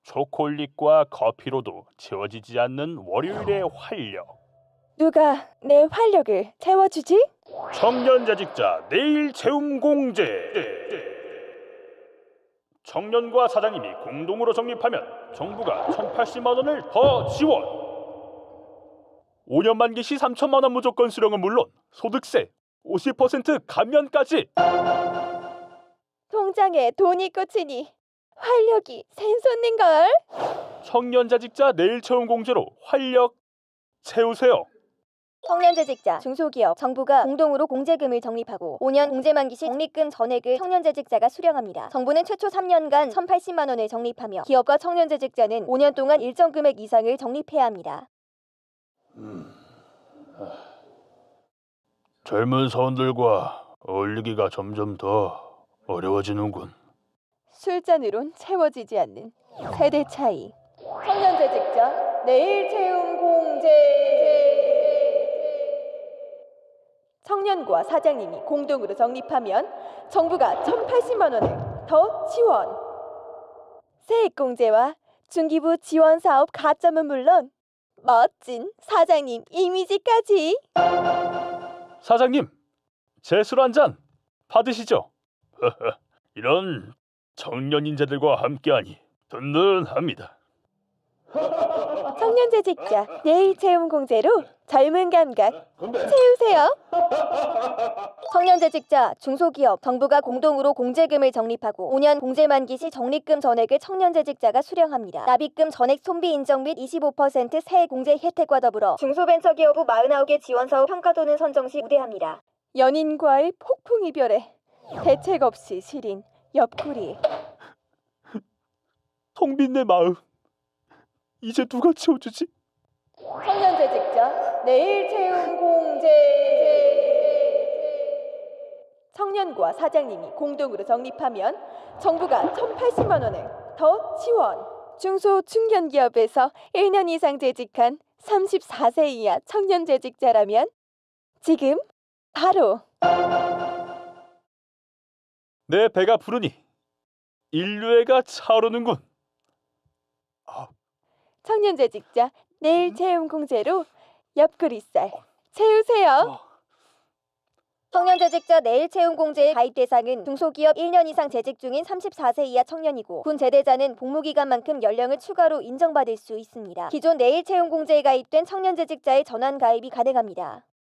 초콜릿과 커피로도 채워지지 않는 월요일의 활력. 누가 내 활력을 채워주지? 청년재직자 내일 채움 공제. 청년과 사장님이 공동으로 적립하면 정부가 1,080만 원을 더 지원. 5년 만기 시 3천만 원 무조건 수령은 물론 소득세 50% 감면까지. 통장에 돈이 꽂히니 활력이 샘솟는걸. 청년재직자 내일 채움 공제로 활력 채우세요. 청년재직자, 중소기업, 정부가 공동으로 공제금을 적립하고 5년 공제 만기 시 적립금 전액을 청년재직자가 수령합니다. 정부는 최초 3년간 1,080만 원을 적립하며 기업과 청년재직자는 5년 동안 일정 금액 이상을 적립해야 합니다. 젊은 사원들과 어울리기가 점점 더 어려워지는군. 술잔으론 채워지지 않는 세대 차이. 청년재직자 내일 채움 공제. 청년과 사장님이 공동으로 적립하면 정부가 1,080만 원을 더 지원. 세액공제와 중기부 지원 사업 가점은 물론 멋진 사장님 이미지까지. 사장님, 제 술 한 잔 받으시죠. 이런 청년 인재들과 함께하니 든든합니다. 청년재직자 내일 채움 공제로 젊은 감각 채우세요. 청년재직자, 중소기업, 정부가 공동으로 공제금을 적립하고 5년 공제 만기 시 적립금 전액을 청년재직자가 수령합니다. 납입금 전액 손비 인정 및 25% 세액 공제 혜택과 더불어 중소벤처기업부 49개 지원사업 평가도는 선정 시 우대합니다. 연인과의 폭풍 이별에 대책 없이 시린 옆구리. 텅 빈 내 마음 이제 누가 채워주지? 청년재직자 내일 채움 공제. 청년과 사장님이 공동으로 적립하면 정부가 1,080만 원을 더 지원. 중소 중견기업에서 1년 이상 재직한 34세 이하 청년재직자라면 지금 바로 내 배가 부르니 인류애가 차오르는군. 청년재직자 내일 채움 공제로 옆구리살 채우세요. 청년재직자 내일 채움 공제의 가입 대상은 중소기업 1년 이상 재직 중인 34세 이하 청년이고 군 제대자는 복무기간만큼 연령을 추가로 인정받을 수 있습니다. 기존 내일 채움 공제에 가입된 청년재직자의 전환 가입이 가능합니다.